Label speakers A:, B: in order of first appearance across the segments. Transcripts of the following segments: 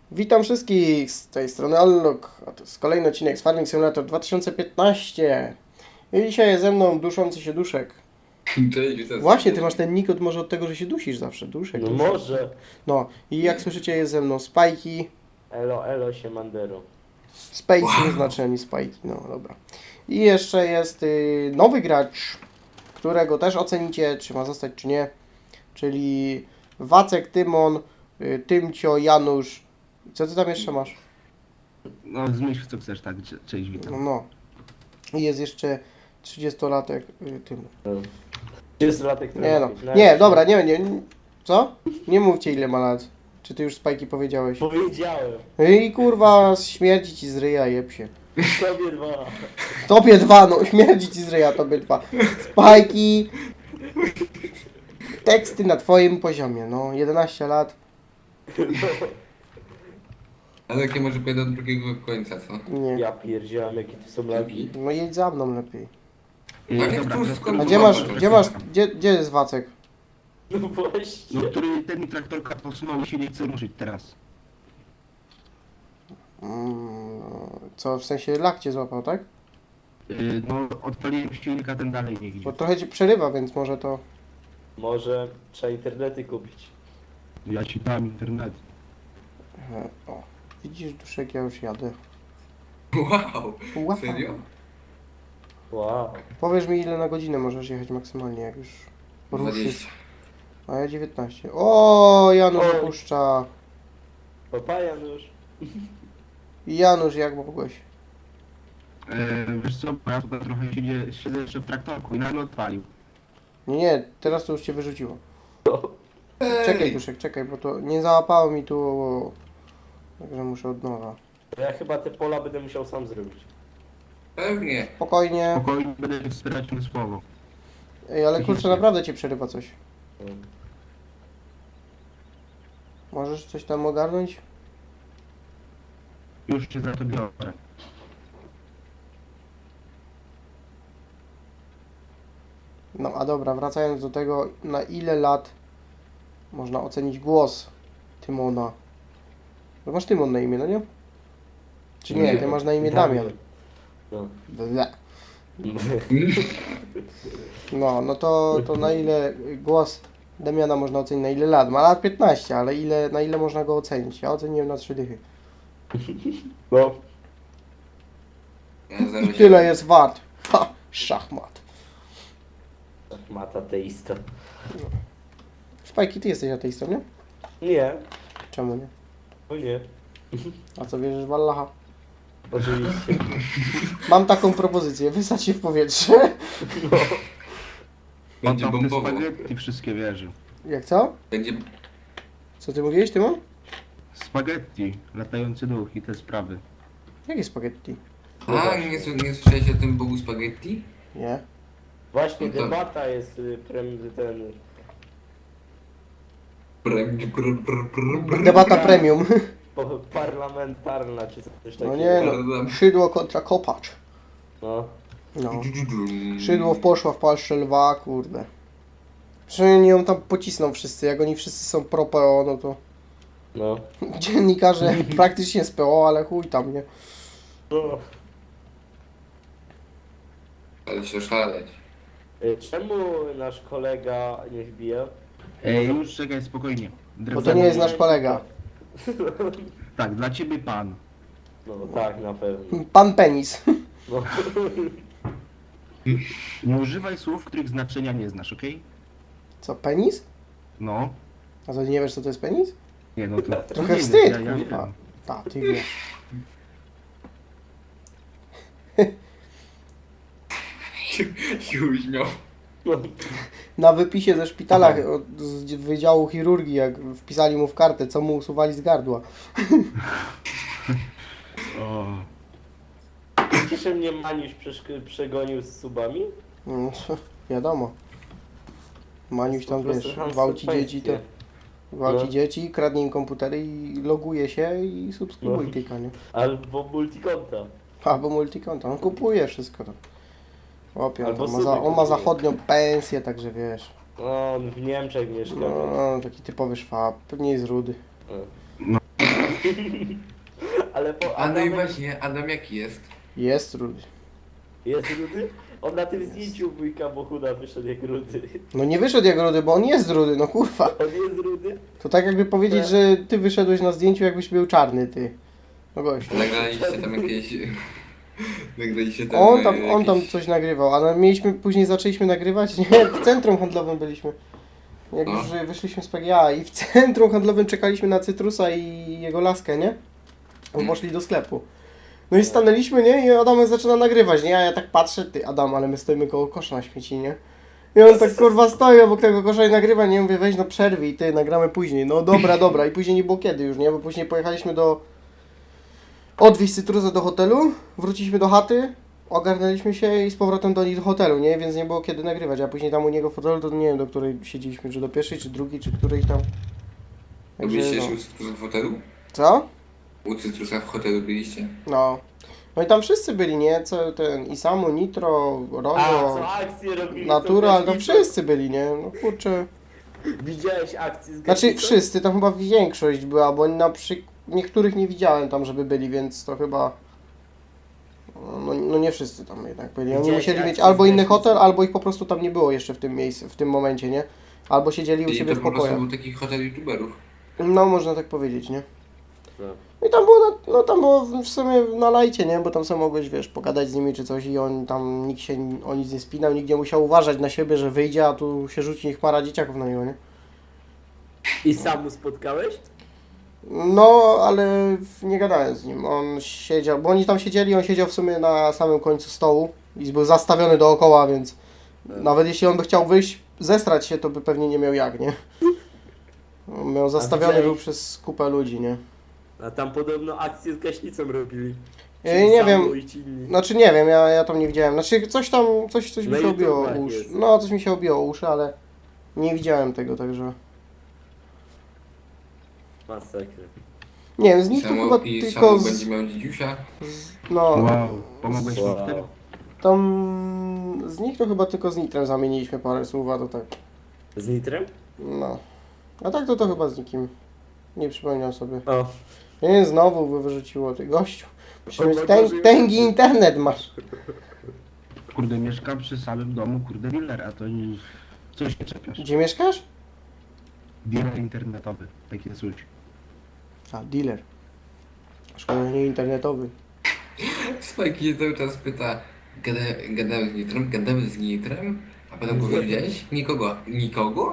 A: Witam wszystkich, z tej strony Allok, a to jest kolejny odcinek z Farming Simulator 2015. I dzisiaj jest ze mną duszący się duszek.
B: Cześć, witam.
A: Właśnie, ty masz ten nick może od tego, że się dusisz zawsze, duszek.
C: No
A: duszek.
C: może.
A: No i jak słyszycie jest ze mną Spajki,
C: Elo, elo, siemandero.
A: Space nie znaczy ani Spajki, no dobra. I jeszcze jest nowy gracz, którego też ocenicie, czy ma zostać, czy nie. Czyli Wacek, Tymon, Tymcio, Janusz. Co ty tam jeszcze masz?
D: No, zmyśl co chcesz, tak. Cześć, witam.
A: No. I jest jeszcze 30-latek tym.
C: 30-latek
A: Nie no. Nie, dobra, nie. Co? Nie mówcie ile ma lat. Czy ty już Spajki powiedziałeś?
C: Powiedziałem.
A: I kurwa, śmierdzi ci z ryja, jeb się.
C: Tobie dwa.
A: Tobie dwa, no śmierdzi ci z ryja, tobie dwa. Spajki. Teksty na twoim poziomie, no. 11 lat.
B: Ale jakie może pójdę do drugiego końca, co?
A: Nie.
C: Ja pierdziałem, jakie tu są lagi.
A: No jedź za mną lepiej.
B: A nie,
D: Dobra,
B: tu
D: teraz-
B: skąd-
A: A gdzie masz, gdzie jest Wacek?
C: No właśnie.
D: No, który ten mi traktorka podsunął i się nie chce ruszyć teraz.
A: Co, w sensie lak cię złapał, tak?
D: No, odpaliłem silnika, ten dalej nie idzie.
A: Bo trochę ci przerywa, więc może to...
C: Może trzeba internety kupić.
D: Ja ci dam internet.
A: O, widzisz duszek, ja już jadę.
B: Wow,
A: Wow.
B: serio?
C: Wow.
A: Powiesz mi ile na godzinę możesz jechać maksymalnie, jak już ruszysz.
B: 20.
A: A ja 19. O, Janusz
C: Oj.
A: opuszcza.
C: Papa Janusz.
A: Janusz, jak mogłeś?
D: Wiesz co, bo ja tutaj trochę siedzę jeszcze w traktorku i nagle odpalił.
A: Nie, teraz to już cię wyrzuciło.
B: Ej,
A: Czekaj duszek, czekaj, bo to nie załapało mi tu. Także muszę od nowa.
C: Ja chyba te pola będę musiał sam zrobić.
B: Pewnie.
A: Spokojnie.
D: Spokojnie będę się wspierać na słowo.
A: Ej, ale kurczę, naprawdę cię przerywa coś.
C: Mm.
A: Możesz coś tam ogarnąć?
D: Już cię za to biorę.
A: No a dobra, wracając do tego, na ile lat można ocenić głos Tymona? Bo masz Tymon na imię, no nie? Czy nie, ty masz na imię Damian.
C: No.
A: Ble. No to na ile głos Damiana można ocenić, na ile lat? Ma lat 15, ale na ile można go ocenić? Ja oceniłem na 3 dychy.
C: No.
B: Ja
A: I
B: 0,7.
A: tyle jest wart. Ha! Szachmat.
C: Mata teista.
A: Szpajki, ty jesteś ateistą, nie?
C: Nie.
A: Czemu nie?
C: O nie.
A: A co wierzysz w Allaha?
C: Oczywiście.
A: Mam taką propozycję, wysadź się w powietrze.
C: No.
B: Będzie
D: On tam w te
B: bombowo.
D: spaghetti wszystkie wierzy.
A: Jak co?
B: Będzie...
A: Co ty mówiłeś, Tymon?
D: Spaghetti, latający duch i te sprawy.
A: Jakie spaghetti?
B: A, nie słyszałeś o tym Bogu spaghetti?
A: Nie.
C: Właśnie
B: No to-
C: debata jest ten...
A: Debata premium.
C: Parlamentarna, czy coś takiego.
A: No nie no. Szydło kontra kopacz.
C: No.
A: No. Szydło poszła w palsze lwa, kurde. Przynajmniej ją tam pocisną wszyscy, jak oni wszyscy są pro PO, no to
C: No.
A: dziennikarze praktycznie z PO, ale chuj tam, nie?
C: No.
B: Ale się szaleć.
C: Czemu nasz kolega nie wbija?
D: Już czekaj, spokojnie.
A: Bo to nie jest nasz kolega.
D: Tak, dla ciebie pan.
C: No tak, na pewno.
A: Pan Penis.
C: No.
D: Nie używaj słów, których znaczenia nie znasz, okej?
A: Co, penis?
D: No.
A: A co, nie wiesz co to jest penis?
D: Nie, no to...
A: Trochę
D: nie
A: wstyd,
D: wiem, ja
A: kurwa.
D: wiem.
A: Ta, ty wiesz.
B: I uśmiał.
C: No.
A: Na wypisie ze szpitala z Wydziału Chirurgii, jak wpisali mu w kartę, co mu usuwali z gardła.
D: O.
C: Cieszę mnie Maniusz przegonił z subami?
A: No, wiadomo. Maniuś tam,
C: Po prostu
A: wiesz,
C: ham
A: gwałci dzieci, to
C: sekwencje.
A: gwałci
C: No.
A: dzieci, kradnie im komputery i loguje się i subskrybuje
C: No.
A: tyka, nie?
C: Albo multikonta.
A: Albo multikonta, on kupuje wszystko. To. Chłopie,
C: Albo
A: on ma,
C: suby
A: on ma
C: kupuje.
A: zachodnią pensję, także wiesz.
C: No, on w Niemczech mieszka. więc-
A: No, taki typowy szwab, pewnie jest rudy.
C: Ale po
B: A no i
C: Adamem
B: właśnie, Adam jaki jest?
A: Jest rudy.
C: jest rudy? On na tym zdjęciu wujka Bohuda wyszedł jak rudy.
A: No nie wyszedł jak rudy, bo on jest rudy, no kurwa.
C: On jest rudy?
A: To tak jakby powiedzieć, że ty wyszedłeś na zdjęciu, jakbyś był czarny, ty. No gościu.
B: Nagraliście tam jakieś... Nagraliście tam...
A: On tam coś nagrywał, ale mieliśmy, później zaczęliśmy nagrywać, nie, w centrum handlowym byliśmy. Jak
B: No.
A: już wyszliśmy z PGA i w centrum handlowym czekaliśmy na Cytrusa i jego laskę, nie? On poszli do sklepu. No i stanęliśmy, nie? I Adamek zaczyna nagrywać, nie? A ja tak patrzę, ty Adam, ale my stoimy koło kosza na śmieci, nie? I on tak kurwa stoi obok tego kosza i nagrywa, nie? Mówię, weź no przerwij, ty, nagramy później. No dobra, dobra. I później nie było kiedy już, nie? Bo później pojechaliśmy odwieźć Cytrusa do hotelu, wróciliśmy do chaty, ogarnęliśmy się i z powrotem do nich do hotelu, nie? Więc nie było kiedy nagrywać, a później tam u niego w hotelu to nie wiem, do której siedzieliśmy, czy do pierwszej, czy drugiej, czy którejś tam.
B: Byliście jeszcze
A: no.
B: u Cytrusa w hotelu?
A: Co?
B: U Cytrusa w hotelu byliście?
A: No. No i tam wszyscy byli, nie? Co ten Isamu, Nitro,
C: A,
A: Rogo,
C: co akcje robili?
A: Natural,
C: są
A: tam
C: też
A: wszyscy byli, nie? No kurczę.
C: Widziałeś akcję z
A: Znaczy
C: gaśnicą?
A: wszyscy, tam chyba większość była, bo niektórych nie widziałem tam, żeby byli, więc to chyba... No nie wszyscy tam jednak byli. Oni
C: Widziałeś
A: musieli mieć
C: akcję
A: albo
C: z
A: inny
C: gaśnicą?
A: hotel, albo ich po prostu tam nie było jeszcze w tym miejscu, w tym momencie, nie? Albo siedzieli u
B: Czyli
A: siebie
B: to
A: w
B: po prostu
A: pokojach.
B: był taki hotel youtuberów.
A: No można tak powiedzieć, nie?
C: No.
A: I tam było, no tam było w sumie na lajcie, nie? Bo tam sobie mogłeś, wiesz, pogadać z nimi czy coś i on tam, nikt się o nic nie spinał, nikt nie musiał uważać na siebie, że wyjdzie, a tu się rzuci chmara dzieciaków na niego, nie?
C: I sam mu spotkałeś?
A: No, ale nie gadałem z nim. On siedział, bo oni tam siedzieli, on siedział w sumie na samym końcu stołu i był zastawiony dookoła, więc nawet jeśli on by chciał wyjść, zestrać się, to by pewnie nie miał jak, nie? On miał zastawiony
C: widziałeś-
A: był przez kupę ludzi, nie?
C: A tam podobno akcję z gaśnicą robili.
A: Nie
C: Samu
A: wiem,
C: i ci inni.
A: znaczy nie wiem, ja tam nie widziałem. Znaczy coś tam, coś mi
C: Na
A: się obiło o
C: YouTubach
A: uszy.
C: jest.
A: No, coś mi się obiło o uszy, ale nie widziałem tego, także...
C: Masakra.
A: Nie wiem, z nich to chyba
B: I
A: tylko
B: Samu
A: z...
B: będzie miał dzidziusia.
A: No,
D: Wow, pomogłeś mu w tym?
A: tam... Z nich to chyba tylko z Nitrem zamieniliśmy parę słów, a to tak...
C: Z nitrem?
A: No. A tak to chyba z nikim. Nie przypomniał sobie.
C: O.
A: Nie, znowu by wyrzuciło, ty gościu. Musisz mieć
C: Boże,
A: tęgi internet masz.
D: Kurde, mieszkam przy samym domu, kurde, dealer, a to nie... Coś nie czepiasz.
A: Gdzie mieszkasz?
D: Dealer internetowy, takie coś.
A: A, dealer. Szkoda, że nie internetowy.
B: Spike się cały czas pyta, gadamy z Nitrem, gadamy z Nitrem, a potem kogo widziałeś? Nikogo. Nikogo?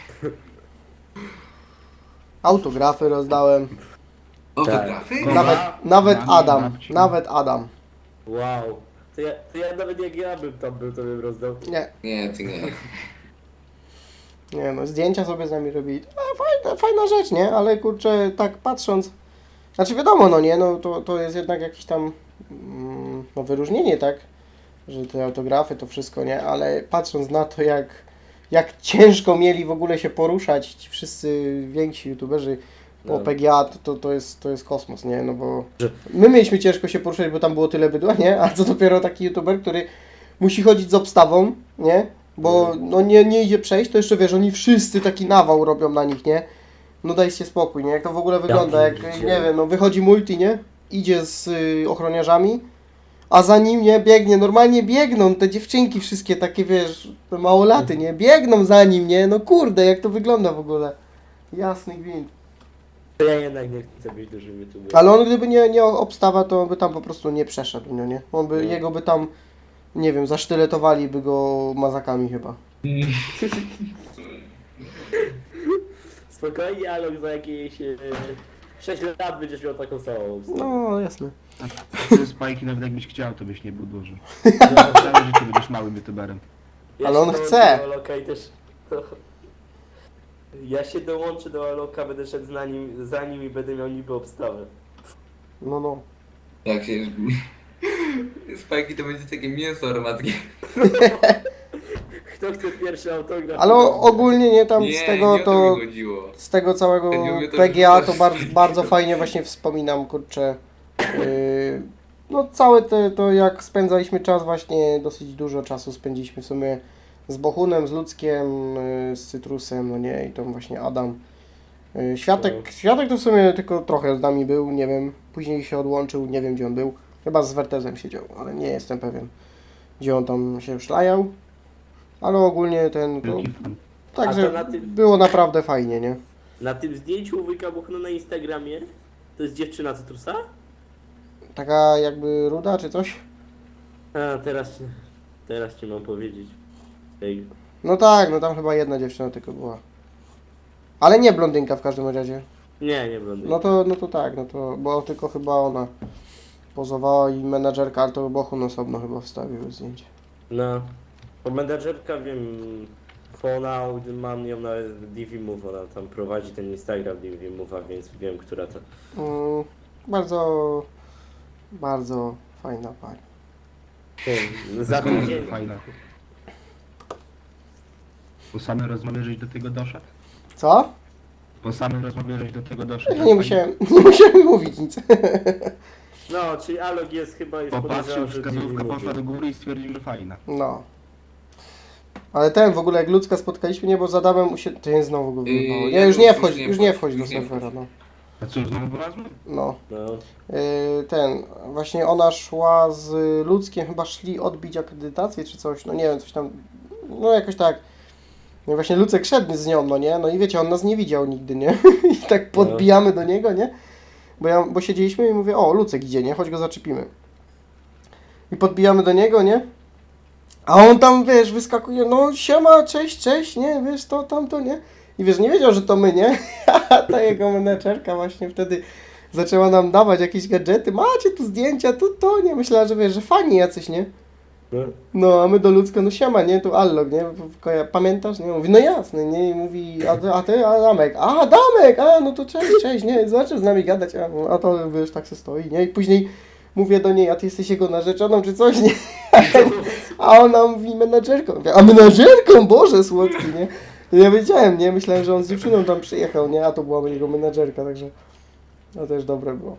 A: Autografy rozdałem.
B: Autografy?
C: Tak.
A: Nawet
D: Mamy
A: Adam.
D: babci.
A: Nawet Adam.
C: Wow. To ja nawet jak ja bym tam był, to bym rozdał.
A: Nie.
B: Nie, ty nie.
A: Nie no, zdjęcia sobie z nami robili. Fajna rzecz, nie? Ale kurczę, tak patrząc... Znaczy wiadomo, no nie, no to jest jednak jakieś tam no wyróżnienie, tak? Że te autografy, to wszystko, nie? Ale patrząc na to, jak ciężko mieli w ogóle się poruszać ci wszyscy więksi youtuberzy po
C: No.
A: PGA, to jest kosmos, nie? No bo my mieliśmy ciężko się poruszać, bo tam było tyle bydła, nie? A co dopiero taki youtuber, który musi chodzić z obstawą, nie? Bo no nie idzie przejść, to jeszcze wiesz, oni wszyscy taki nawał robią na nich, nie? No dajcie spokój, nie? Jak to w ogóle wygląda, jak,
C: pierdzielę.
A: nie wiem, no wychodzi multi, nie? Idzie z ochroniarzami, a za nim, nie? Biegnie, normalnie biegną te dziewczynki wszystkie takie, wiesz, te małolaty, nie? Biegną za nim, nie? No kurde, jak to wygląda w ogóle. Jasny gwint.
C: To ja jednak nie chcę być dużym youtuberem.
A: Ale on gdyby nie obstawa, to on by tam po prostu nie przeszedł, no nie? On by,
C: No.
A: jego by tam, nie wiem, zasztyletowali by go mazakami chyba.
C: Spokojnie, ale za jakieś 6 lat będziesz miał taką samą.
A: No, jasne.
D: A ty spajki nawet jakbyś chciał, to byś nie był duży. Całe życie będziesz małym youtuberem.
A: Ale on
C: się dołączę
A: chce.
C: do Aloka i też... Ja się dołączę do Aloka, będę szedł za nim i będę miał niby obstawę.
A: No.
B: Jak się... Spajki to będzie takie mięso armatkie.
C: Kto chce pierwszy autograf?
A: Ale ogólnie nie tam
B: Nie,
A: z tego
B: nie o
A: to...
B: mi chodziło.
A: Z tego całego
B: Ja nie mówię to,
A: PGA
B: że
A: to
B: to
A: bardzo fajnie właśnie wspominam, kurczę. No całe to jak spędzaliśmy czas, właśnie dosyć dużo czasu spędziliśmy w sumie z Bohunem, z Ludzkiem, z Cytrusem, no nie, i tam właśnie Adam. Światek to w sumie tylko trochę z nami był, nie wiem. Później się odłączył, nie wiem gdzie on był. Chyba z Wertezem siedział, ale nie jestem pewien, gdzie on tam się szlajał. Ale ogólnie ten... To,
D: Wielki fan.
A: także
C: A to na tym-
A: było naprawdę fajnie, nie?
C: Na tym zdjęciu u wujka Bohuna na Instagramie to jest dziewczyna Cytrusa?
A: Taka jakby ruda czy coś?
C: A, teraz ci mam powiedzieć. Ej,
A: No tak, no tam chyba jedna dziewczyna tylko była. Ale nie blondynka w każdym razie.
C: nie blondy.
A: No to tak, no to, bo tylko chyba ona pozowała i menadżerka, ale to Bohun osobno chyba wstawił zdjęcie.
C: No. Bo menadżerka wiem, Fona, mam ją na DV Move, ona tam prowadzi ten Instagram DV Move'a, więc wiem, która to.
A: Bardzo, bardzo fajna pani.
C: Za tydzień.
D: Fajna. Po samej rozmowie żeś do tego doszedł?
A: Co?
D: Po samej rozmowie żeś do tego doszedł?
A: Ja nie musiałem mówić nic.
C: No, czyli Alog jest chyba już
D: Popatrzył,
C: podejrzewam, że
D: wskazówka
C: DV
D: poszła do
C: Move.
D: góry i stwierdził, że fajna.
A: No. Ale ten w ogóle jak ludzka spotkaliśmy, nie, bo z Adamem to jest znowu go wyjebało. Nie,
B: ja
A: już nie
B: już
A: wchodź,
B: nie
A: już nie
B: wchodź,
A: wchodź do
B: już nie
A: serwera, no.
D: A co, znowu wylazłem?
A: No.
C: No.
A: Ten, właśnie ona szła z Ludzkiem, chyba szli odbić akredytację czy coś, no nie wiem, coś tam, no jakoś tak. No i właśnie Lucek szedł z nią, no nie, no i wiecie, on nas nie widział nigdy, nie, i tak podbijamy do niego, nie, bo siedzieliśmy i mówię, o, Lucek idzie, nie, chodź go zaczepimy. I podbijamy do niego, nie, a on tam, wiesz, wyskakuje, no siema, cześć, nie, wiesz, to, tamto, nie, i wiesz, nie wiedział, że to my, nie, a ta jego menedżerka właśnie wtedy zaczęła nam dawać jakieś gadżety, macie tu zdjęcia, tu to, nie, myślała, że wiesz, że fani jacyś, nie.
C: No.
A: No, a my do Ludzka, no siema, nie, tu Allog, nie, pamiętasz, nie, mówi, no jasne, nie, i mówi, a ty, Adamek, no to cześć, nie, zaczął z nami gadać, a to, wiesz, tak se stoi, nie, i później mówię do niej, a ty jesteś jego narzeczoną, czy coś, nie, a ona mówi, menadżerką, mówię, a menadżerką, Boże, słodki, nie, ja wiedziałem, nie, myślałem, że on z dziewczyną tam przyjechał, nie, a to była jego menadżerka, także, no też dobre było.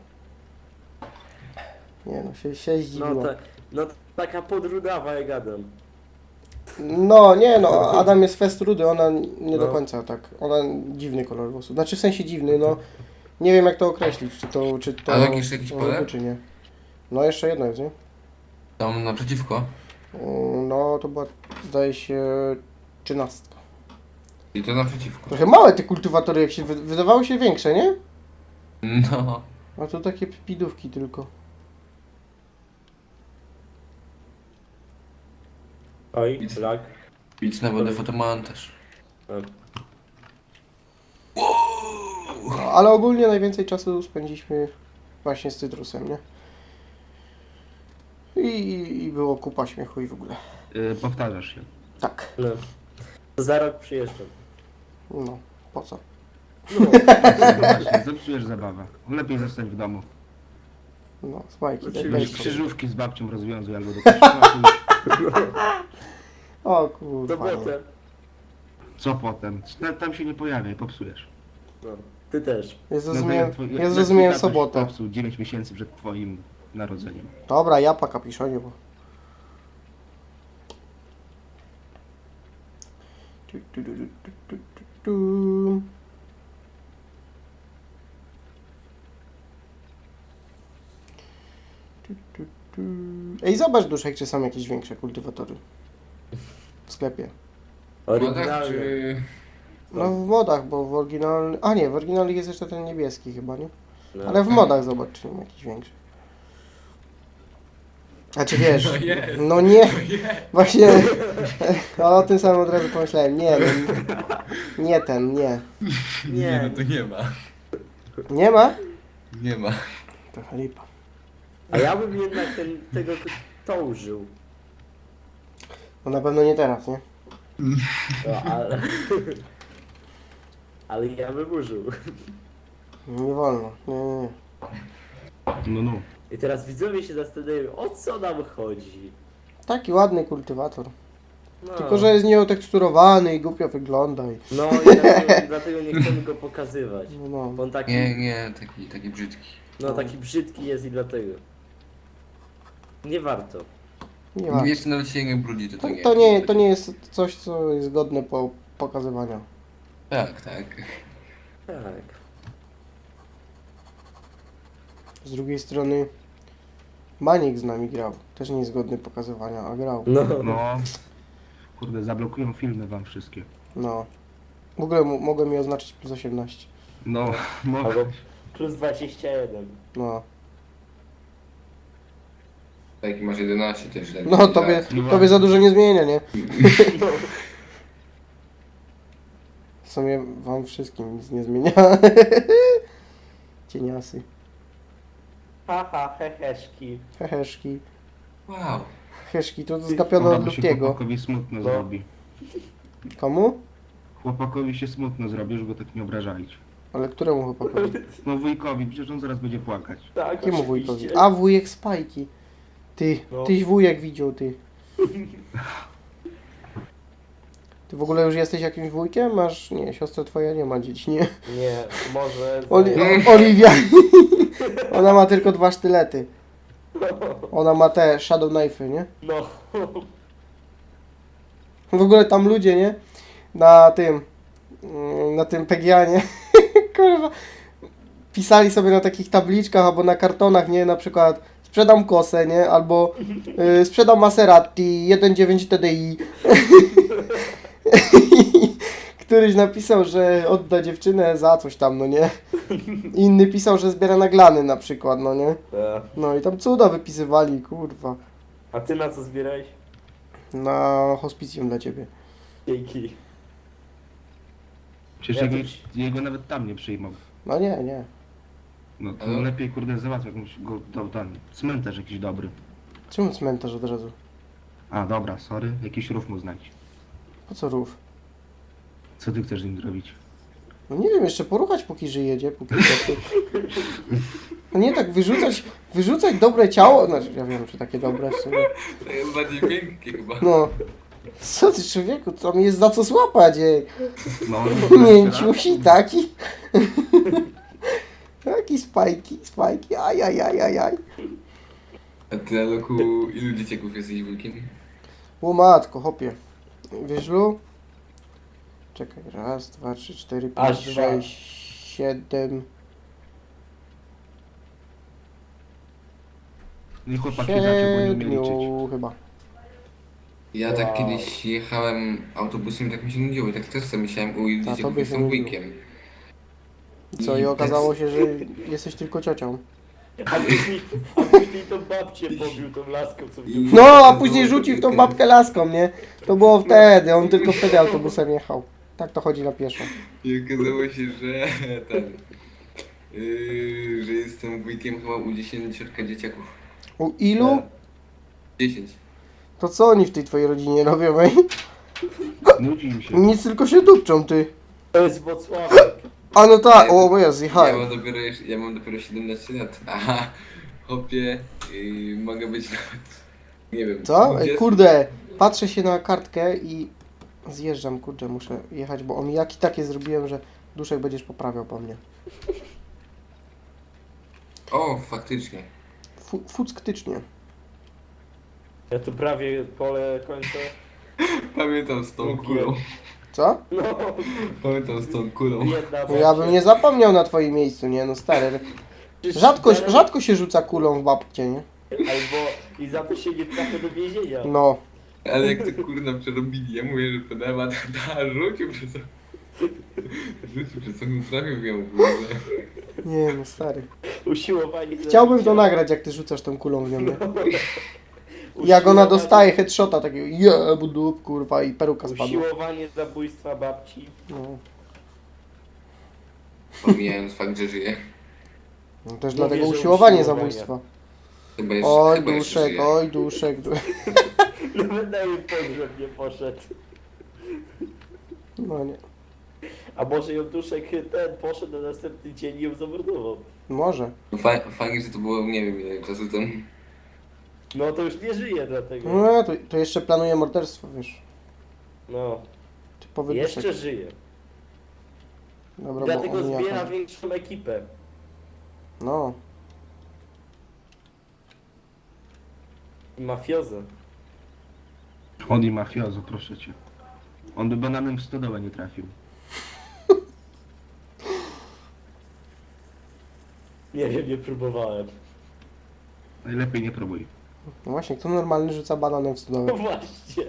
A: Nie no, się zdziwiło.
C: No taka podrudawa jak Adam.
A: No, nie no, Adam jest fest rudy, ona nie do
C: No.
A: końca tak, ona dziwny kolor włosów, znaczy w sensie dziwny, no, nie wiem jak to określić, czy to
B: A jakiś pole?
A: rudy, czy nie. No jeszcze jedno jest, nie?
B: Tam naprzeciwko.
A: No, to była, zdaje się, 13.
B: I to naprzeciwko.
A: Trochę małe te kultywatory, jak się wydawały się większe, nie?
B: No.
A: A to takie pidówki tylko.
C: Oj, lag.
B: Idź na wodę fotomontaż.
A: No, ale ogólnie najwięcej czasu spędziliśmy właśnie z Cytrusem, nie? I było kupa śmiechu i w ogóle.
D: Powtarzasz się.
A: Tak,
C: No. To za rok przyjeżdżam.
A: no, po co?
C: No.
D: Właśnie, zepsujesz zabawę. Lepiej zostać w domu.
A: No, smajki,
C: Oczywiście.
A: daj
D: Weź
A: spokój.
D: krzyżówki z babcią rozwiązuj albo do kościoła.
A: O
C: To
A: kurwa.
C: potem.
D: Co potem? Tam się nie pojawiaj, popsujesz.
C: No. Ty też.
A: Ja
D: No,
A: zrozumiałem,
D: jak twój-
A: ja
D: jak
A: zrozumiałem
D: twój tatuś
A: sobotę.
D: Popsuł 9 miesięcy przed twoim narodzeniem.
A: Dobra, ja po kapiszonie, bo... Tu. Ej, zobacz Duszek, czy są jakieś większe kultywatory w sklepie.
B: No tak,
C: Oryginalny.
B: czy...
A: No w modach, bo w oryginalnych... A nie, w oryginalnych jest jeszcze ten niebieski chyba, nie?
C: No.
A: Ale w modach zobacz, czy nie ma jakiś większy. A czy wiesz?
B: No jest.
A: No nie, właśnie o tym samym od razu pomyślałem. Nie, no, nie ten, nie.
C: Nie.
B: no to nie ma.
A: Nie ma?
B: Nie ma.
A: Trochę lipa.
C: A ja bym jednak tego to użył.
A: No na pewno nie teraz, nie?
C: No, ale... ale ja bym użył.
A: Nie wolno. Nie.
D: No, no.
C: I teraz widzowie się zastanawiają, o co nam chodzi.
A: Taki ładny kultywator.
C: No.
A: Tylko, że jest nieoteksturowany i głupio wygląda.
C: No i dlatego nie chcemy go pokazywać.
A: No.
C: Bo on taki,
B: Nie, taki brzydki.
C: no taki brzydki jest i dlatego. Nie warto.
A: Nie ma.
B: Jeszcze nawet się nie brudzi, to nie.
A: To nie jest coś, co jest godne pokazywania.
B: Tak.
C: Tak.
A: Z drugiej strony Maniek z nami grał. Też niezgodny pokazywania, a grał.
C: No.
D: No. Kurde, zablokują filmy wam wszystkie.
A: No. W ogóle mogłem mi oznaczyć plus 18.
D: No, mogę.
C: Albo plus 21.
A: No.
B: Spajki masz 11 też. tak?
A: No, tobie za dużo nie zmienia, nie?
C: No.
A: W sumie wam wszystkim nic nie zmienia. Cieniasy.
C: Haha, heheszki.
A: Heheszki.
B: Wow.
A: Heszki to zgapione
D: Dobra,
A: od
D: bo się
A: Luftiego.
D: chłopakowi smutno
C: No.
D: zrobi.
A: Komu?
D: Chłopakowi się smutno zrobi, żeby go tak nie obrażać.
A: Ale któremu chłopakowi?
D: No wujkowi, przecież on zaraz będzie płakać.
C: Tak,
A: Jakiemu
C: oczywiście.
A: wujkowi? A, wujek Spajki. Ty,
C: No.
A: tyś wujek widział, ty. Ty w ogóle już jesteś jakimś wujkiem? Masz... Nie, siostra twoja nie ma dzieci, nie?
C: Nie, może...
A: Oliwia. Ona ma tylko 2 sztylety. Ona ma te Shadow Knife'y, nie?
C: No.
A: W ogóle tam ludzie, nie? Na tym PGA, nie? Kurwa. Pisali sobie na takich tabliczkach albo na kartonach, nie? Na przykład sprzedam kosę, nie? Albo sprzedam Maserati 1.9 TDI. Któryś napisał, że odda dziewczynę za coś tam, no nie? Inny pisał, że zbiera naglany na przykład, no nie?
C: Tak.
A: No i tam cuda wypisywali, kurwa.
C: A ty na co zbierałeś?
A: Na hospicjum dla ciebie.
C: Dzięki.
D: Przecież
C: Ja
D: jego nawet tam nie przyjmą.
A: No nie.
D: No to
B: Ale-
D: lepiej kurde załatw jakąś go tam. Cmentarz jakiś dobry.
A: Czemu cmentarz od razu?
D: A dobra, sorry, jakiś rów mu znajdź.
A: Po co rów?
D: Co ty chcesz z nim zrobić?
A: No nie wiem, jeszcze poruchać póki żyje, nie? Póki no nie tak wyrzucać dobre ciało, znaczy ja wiem, czy takie dobre w sumie.
B: To jest bardziej miękkie chyba.
A: No. Co ty człowieku, tam jest za co złapać, ej.
D: No,
A: Mięciusi taki. Taki spajki, ajajajajaj.
B: A ty, Aloku, ilu dzieciaków jesteś wujkiem?
A: O matko, hopie. Wiesz, Lu? Czekaj, 1, 2, 3, 4, 5,
C: Aż
A: 6, 7,
D: No i chłopaki zaczął, bo nie umie liczyć.
A: 7 chyba.
B: Ja tak
C: Wow.
B: kiedyś jechałem autobusem i tak mi się nudziło i tak też sobie myślałem, u ilu
A: A
B: dzieciaków
A: tobie się
B: jestem
A: nudziło.
B: wujkiem.
A: Co i okazało się, że jesteś tylko ciocią.
C: A później tą babcię pobił tą laską, co w tym...
A: No, a później rzucił w tą babkę laską, nie? To było wtedy, on tylko wtedy autobusem jechał. Tak to chodzi na pieszo.
B: I okazało się, że że jestem wujkiem chyba u 10 dzieciaków.
A: U ilu?
B: 10.
A: To co oni w tej twojej rodzinie robią, ej?
D: Nudzi im się.
A: Nic, tylko się dupczą, ty.
C: To jest Włocławek.
A: A no tak, o, bo ja
B: Ja
A: zjechałem.
B: ja mam dopiero 17 lat. Aha, hopie, mogę być nawet, nie wiem.
A: Co? Ej,
B: 20.
A: kurde, patrzę się na kartkę i zjeżdżam, kurde, muszę jechać, bo omijaki takie zrobiłem, że duszek będziesz poprawiał po mnie.
B: O, faktycznie.
A: Fucktycznie.
C: Ja tu prawie pole kończę.
B: Pamiętam z tą
C: Łukiem.
B: kulą.
A: Co?
C: No,
B: Pamiętam z tą kulą.
C: jedna
A: No ja bym nie zapomniał na twoim miejscu, nie? No stary. Rzadko się rzuca kulą w babcie, nie?
C: Albo i za to się nie trafia do więzienia.
A: No.
B: Ale jak to kurna przerobili, ja mówię, że pedała rzucił przez to. Rzucił przez to, trafił ją w ogóle.
A: Nie, no stary.
C: Usiłowanie...
A: Chciałbym to nagrać, jak ty rzucasz tą kulą w nią, nie?
C: No.
A: Jak ona dostaje headshota takiego jebu dup, kurwa, i peruka spadła.
C: Usiłowanie zabójstwa babci.
A: No.
B: Pomijając fakt, że żyje.
A: No też
C: Mówię,
A: dlatego
C: że
A: usiłowanie
C: usiłowanie.
A: zabójstwa.
B: Chyba jeszcze,
A: Oj,
B: chyba jeszcze
A: duszek,
B: żyje.
A: oj, duszek.
C: Nawet na jej pogrzeb nie poszedł.
A: No nie.
C: A może ją duszek ten poszedł na następny dzień i ją zamordował.
A: Może.
B: Fajnie, że to było, nie wiem ile czasu temu.
C: No to już nie żyje dlatego.
A: No, to jeszcze planuje morderstwo, wiesz.
C: No,
A: Typowy
C: jeszcze
A: duszek.
C: żyje.
A: Dobra, bo
C: Dlatego
A: on
C: zbiera
A: jaka.
C: większą ekipę.
A: No.
C: I mafiozę.
D: On i mafiozo, proszę cię. On by bananem w stodołę nie trafił.
C: Nie wiem, nie próbowałem.
D: Najlepiej nie próbuj.
A: No właśnie, kto normalny rzuca bananem w
C: No
A: stronę?
C: właśnie.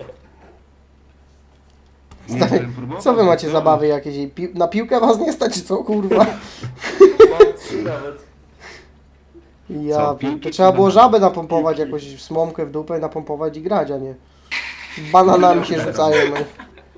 D: Nie
A: Stary,
D: żebym próbował,
A: Co wy macie
D: tylko-
A: zabawy jakieś? Na piłkę was nie stać, czy co kurwa?
C: Mam 3 nawet.
A: Ja,
D: Co, piłki
A: to
D: czy
A: trzeba było
D: banany?
A: żabę napompować,
C: Piłki.
A: jakąś słomkę w dupę napompować i grać, a nie. Bananami się rzucają. No.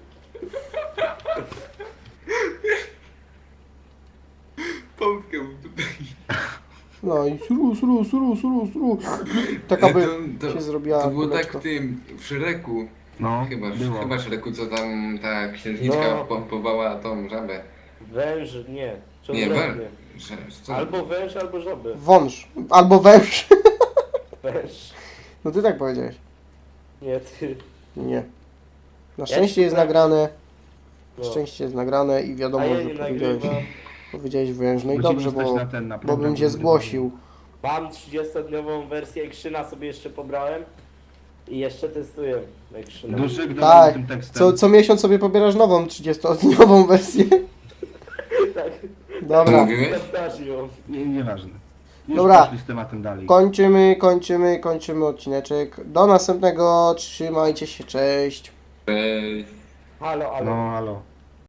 B: Pompkę w dupę.
A: No i sru. Taka by się zrobiła
B: To było tak
A: kuleczka.
B: w tym, w Szreku.
D: No,
B: Chyba,
D: było.
B: chyba Szreku, co tam ta księżniczka
C: No.
B: pompowała tą żabę.
C: Węż, nie. Czy
B: Nie,
C: odwrotnie?
B: co?
C: Albo węż, albo żaby.
A: Wąż. Albo węż.
C: Węż.
A: No ty tak powiedziałeś.
C: Nie, ty.
A: Nie. Na
C: Ja
A: szczęście
C: ci
A: jest
C: powiem-
A: nagrane.
C: No.
A: Szczęście jest nagrane i
C: A
A: wiadomo,
C: ja
A: że
C: nie
A: powiedziałeś,
C: nagrywam.
A: powiedziałeś węż. No i
D: Musimy
A: dobrze,
D: stać
A: bo,
D: na ten, na
A: bo
D: program
A: bym cię
D: nagrywany.
A: zgłosił.
C: Mam 30-dniową wersję Ekrzyna, sobie jeszcze pobrałem. I jeszcze testuję Ekrzyna.
D: Duszek do
A: Tak.
D: tym tekstem.
A: Co miesiąc sobie pobierasz nową 30-dniową wersję.
C: Tak,
A: Dobra.
B: Mówiłeś?
C: Fantazią.
D: Nieważne. Już
A: Dobra.
D: poszli z tematem dalej.
A: Kończymy odcineczek. Do następnego. Trzymajcie się, cześć.
B: Cześć.
C: Halo, halo.
D: No, halo.